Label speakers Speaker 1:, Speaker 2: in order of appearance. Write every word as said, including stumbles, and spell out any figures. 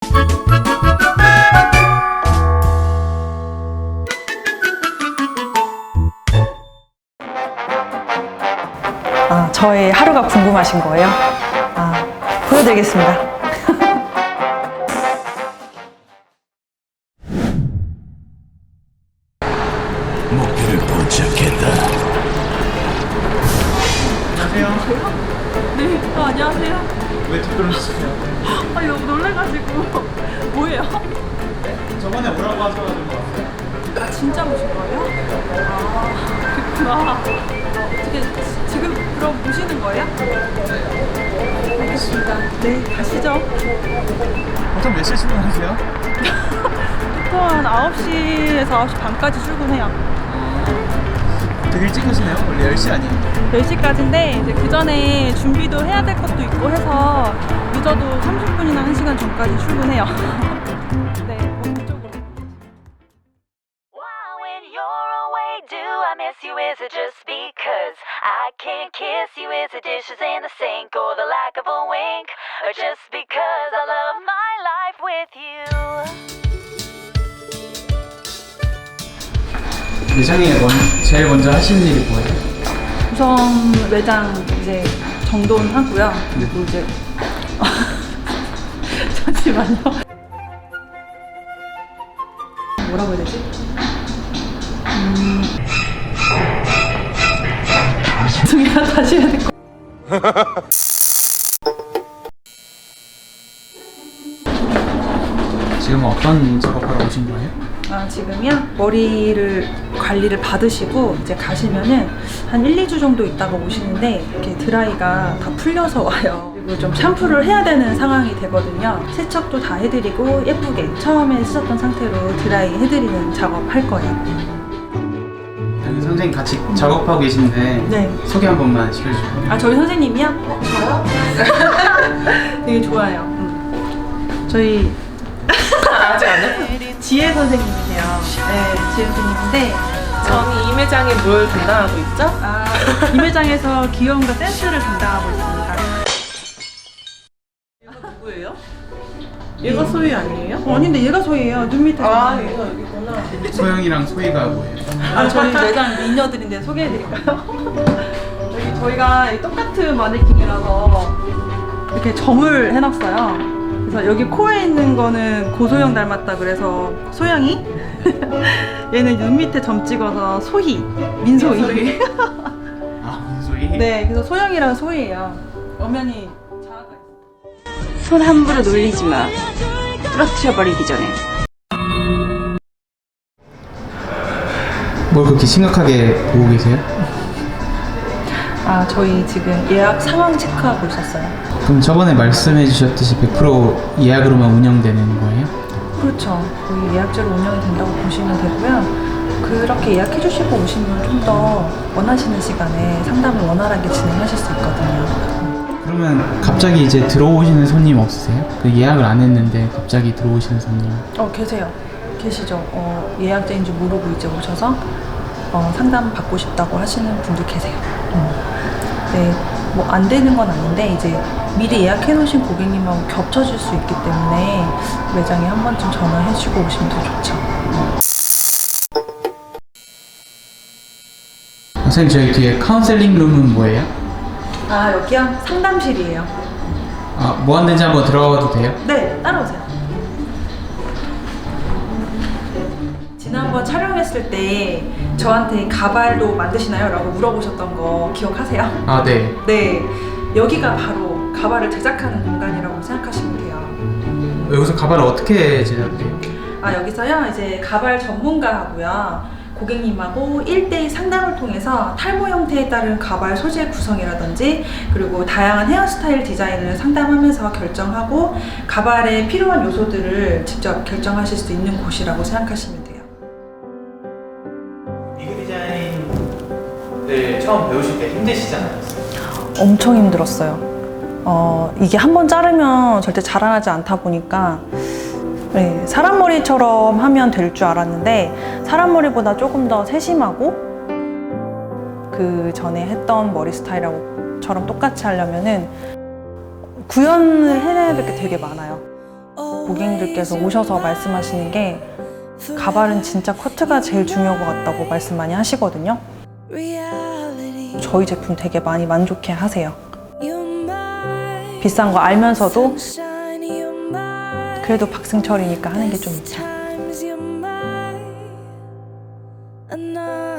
Speaker 1: 아, 저의 하루가 궁금하신 거예요? 아, 보여드리겠습니다.
Speaker 2: 목표를 포착했다.
Speaker 3: 안녕하세요.
Speaker 1: 네, 어, 안녕하세요.
Speaker 3: 왜 뒷걸음치세요?
Speaker 1: 아, 너무 놀래가지고. 뭐예요?
Speaker 3: 저번에 오라고 하셔가지고 왔어요.
Speaker 1: 아, 진짜 오신 거예요? 아, 그렇구나. 어떻게, 지금 그럼 보시는 거예요? 알겠습니다. 네, 가시죠.
Speaker 3: 보통 몇 시에 출근하세요?
Speaker 1: 보통 한 아홉 시에서 아홉 시 반까지 출근해요.
Speaker 3: 되게 일찍 오시네요. 원래 열 시 아니에요?
Speaker 1: 열 시까지인데 이제 그 전에 준비도 해야 될 것도 있고 해서 늦어도 삼십 분이나 한 시간 전까지 출근해요. 네, 뭐 그쪽으로.
Speaker 4: Why when you're away do I miss you? Is it just because I can't kiss you? Is it dishes in the sink or the lack of a wink? Or just because I love my life with you?
Speaker 3: 매장에 먼, 제일 먼저 하시는 일이 뭐예요?
Speaker 1: 우선 매장 이제 정돈하고요. 그리고 이제 잠시만요. 뭐라고 해야 되지? 음... 죄송해요. 다시 해야 될 것.
Speaker 3: 지금 어떤 작업하러 오신 거예요?
Speaker 1: 아, 지금요? 머리를 관리를 받으시고 이제 가시면은 한 일, 이 주 정도 있다가 오시는데 이렇게 드라이가 다 풀려서 와요. 그리고 좀 샴푸를 해야 되는 상황이 되거든요. 세척도 다 해드리고 예쁘게 처음에 쓰셨던 상태로 드라이 해드리는 작업 할 거예요.
Speaker 3: 여기 선생님 같이 작업하고 계신데
Speaker 1: 네.
Speaker 3: 소개 한 번만 시켜주세요.
Speaker 1: 아, 저희 선생님이요? 저요? 되게 좋아요. 음. 저희
Speaker 5: 아직 안 해?
Speaker 1: 지혜 선생님이세요. 네, 지혜 선생님인데
Speaker 5: 저는 이 매장에 뭘 담당하고 있죠?
Speaker 1: 아, 이 매장에서 귀여움과 센스를 담당하고 있습니다.
Speaker 5: 얘가 누구예요? 얘가 소희 아니에요?
Speaker 1: 어, 아닌데 얘가 소희예요. 눈 밑에.
Speaker 5: 아,
Speaker 1: 소희.
Speaker 5: 얘가 여기구나.
Speaker 3: 소영이랑 소희가 뭐예요?
Speaker 1: 아, 저희 매장 미녀들인데 소개해드릴까요? 여기 저희가 이 똑같은 마네킹이라서 이렇게 점을 해놨어요. 그래서 여기 코에 있는 거는 고소영 닮았다 그래서 소영이, 얘는 눈 밑에 점 찍어서 소희, 민소희.
Speaker 3: 아, 민소희?
Speaker 1: 네, 그래서 소영이랑 소희예요. 엄연히 자아가 있어요.
Speaker 6: 손 함부로 놀리지 마. 부러뜨려 버리기 전에.
Speaker 3: 뭘 그렇게 심각하게 보고 계세요?
Speaker 1: 아, 저희 지금 예약 상황 체크하고 있었어요.
Speaker 3: 그럼 저번에 말씀해 주셨듯이 백 퍼센트 예약으로만 운영되는 거예요?
Speaker 1: 그렇죠. 거의 예약제로 운영이 된다고 보시면 되고요. 그렇게 예약해 주시고 오시면 좀 더 원하시는 시간에 상담을 원활하게 진행하실 수 있거든요.
Speaker 3: 그러면 갑자기 이제 들어오시는 손님 없으세요? 그 예약을 안 했는데 갑자기 들어오시는 손님.
Speaker 1: 어, 계세요. 계시죠. 어, 예약제인지 모르고 이제 오셔서 어, 상담 받고 싶다고 하시는 분들 계세요. 음. 네, 뭐 안 되는 건 아닌데 이제 미리 예약해 놓으신 고객님하고 겹쳐질 수 있기 때문에 매장에 한 번쯤 전화해 주고 오시면 더 좋죠.
Speaker 3: 선생님 저희 뒤에 카운셀링 룸은 뭐예요?
Speaker 1: 아, 여기요? 상담실이에요.
Speaker 3: 아, 뭐 하는지 한번 들어가도 돼요?
Speaker 1: 네, 따라오세요. 지난번 촬영했을 때 저한테 가발도 만드시나요? 라고 물어보셨던 거 기억하세요?
Speaker 3: 아, 네.
Speaker 1: 네, 여기가 바로 가발을 제작하는 공간이라고 생각하시면 돼요.
Speaker 3: 여기서 가발을 어떻게 제작해요?
Speaker 1: 아, 여기서요, 이제 가발 전문가하고요, 고객님하고 일 대일 상담을 통해서 탈모 형태에 따른 가발 소재 구성이라든지 그리고 다양한 헤어스타일 디자인을 상담하면서 결정하고 가발에 필요한 요소들을 직접 결정하실 수 있는 곳이라고 생각하시면 돼요.
Speaker 3: 미그 디자인을 처음 배우실 때 힘드시지 않았어요?
Speaker 1: 엄청 힘들었어요. 어, 이게 한 번 자르면 절대 자라나지 않다 보니까 네, 사람 머리처럼 하면 될 줄 알았는데 사람 머리보다 조금 더 세심하고 그 전에 했던 머리 스타일하고처럼 똑같이 하려면은 구현을 해내야 될 게 되게 많아요. 고객님들께서 오셔서 말씀하시는 게 가발은 진짜 커트가 제일 중요한 것 같다고 말씀 많이 하시거든요. 저희 제품 되게 많이 만족해 하세요. 비싼 거 알면서도 그래도 박승철이니까 하는 게 좀 있죠.